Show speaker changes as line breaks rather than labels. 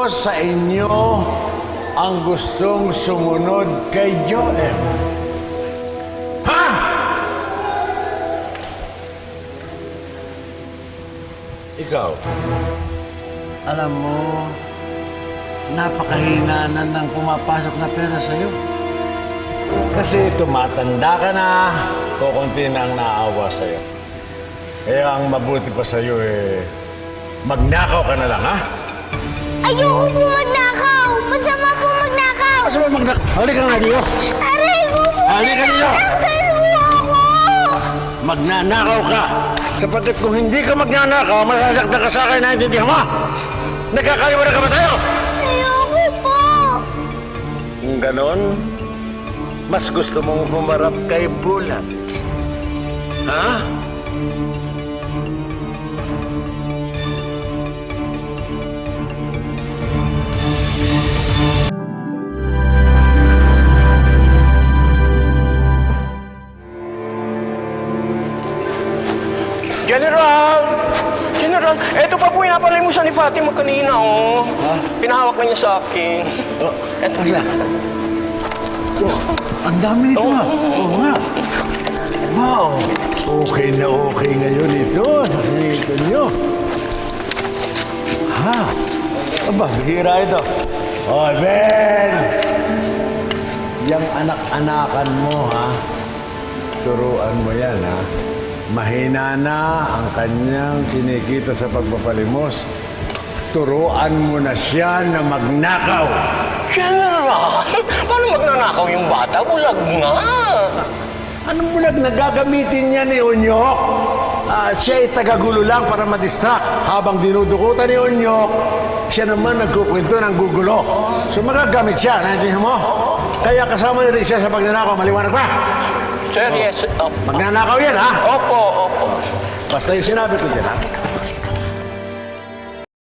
sa inyo ang gustong sumunod kay Joel? Ha? Ikaw?
Alam mo, napakahina na ng pumapasok na pera sa'yo.
Kasi tumatanda ka na, kukunti na ang naawa sa'yo. Kaya ang mabuti pa sa'yo magnakaw ka na lang, ha?
Ayoko po magnakaw! Masama po magnakaw!
Masama magnakaw? Halika nga dito!
Aray ko po!
Halika dito!
Tulungan ako!
Magnanakaw ka! Sapagkat kung hindi ka magnanakaw, masasaktan ka sa akin, naintindihan mo? Nagkakalimutan ka ba tayo?
Ayoko po!
Kung ganon, mas gusto mong humarap kay Bulan. Ha?
General, eto pa po yung napalimusan ni Fatima kanina, oh.
Ha?
Pinahawak na niya sa akin.
Oh,
Eto.
asa?
Oh, ang dami nito ha. Oo nga.
Wow! Okay na okay ngayon ito. Nakikita nyo. Ha? Aba, bihira ito. Oh, Ben! Yang anak-anakan mo, ha? Turuan mo yan, ha? Mahina na ang kanyang kinikita sa pagpapalimos. Turuan mo na siya na magnakaw.
General, paano magnanakaw yung bata? Bulag na.
Anong bulag na gagamitin niya ni Onyok? Siya ay tagagulo lang para madistract. Habang dinudukutan ni Onyok, siya naman nagkukwento ng gugulo. So magagamit siya, naintindihan mo? Kaya kasama rin siya sa pagnanakaw. Maliwanag ba?
Sir, yes.
Magnanakaw yan, ha?
Opo, opo.
Basta yung sinabi ko dyan, ha?